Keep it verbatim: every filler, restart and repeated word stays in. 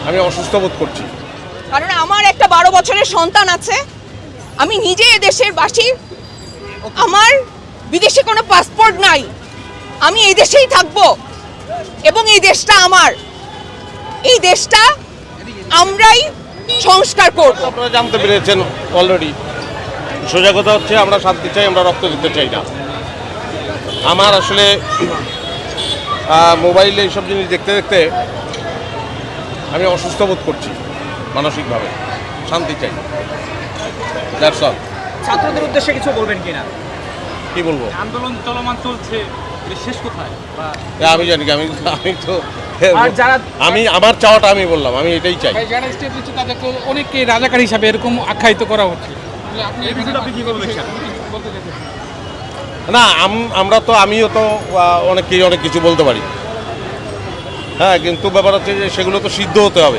আমি অসুস্থ বোধ করছি। কারণ আমার একটা বারো বছরের সন্তান আছে, আমি নিজে এদেশের বাসী, আমার বিদেশে কোনো পাসপোর্ট নাই, আমি এই দেশেই থাকবো এবং এই দেশটা আমার, এই দেশটা আমরাই সংস্কার করব। আপনারা জানতে পেরেছেন অলরেডি। সোজা কথা হচ্ছে আমরা শান্তি চাই, আমরা রক্ত দিতে চাই না। আমার আসলে মোবাইলে এইসব জিনিস দেখতে দেখতে আমি অসুস্থ বোধ করছি মানসিকভাবে। শান্তি চাই, দ্যাটস অল। ছাত্রদের উদ্দেশ্যে কিছু বলবেন কিনা? কি বলবো? আন্দোলন চলমান চলছে, এটা শেষ কোথায়? বা এ আমি জানি কি, আমি আমি তো আর যারা আমি আমার চাওয়াটা আমি বললাম, আমি এটাই চাই। যারা স্টেপ নিচ্ছে তাদেরকে অনেককে রাজাকার হিসাবে এরকম আখ্যায়িত করা হচ্ছে। আপনি এই বিষয়টা আপনি কিভাবে দেখছেন? বলতে চাইছেন না, আম- আমরা তো আমিও তো আহ, অনেককেই অনেক কিছু বলতে পারি, হ্যাঁ, কিন্তু ব্যাপার হচ্ছে যে সেগুলো তো সিদ্ধ হতে হবে।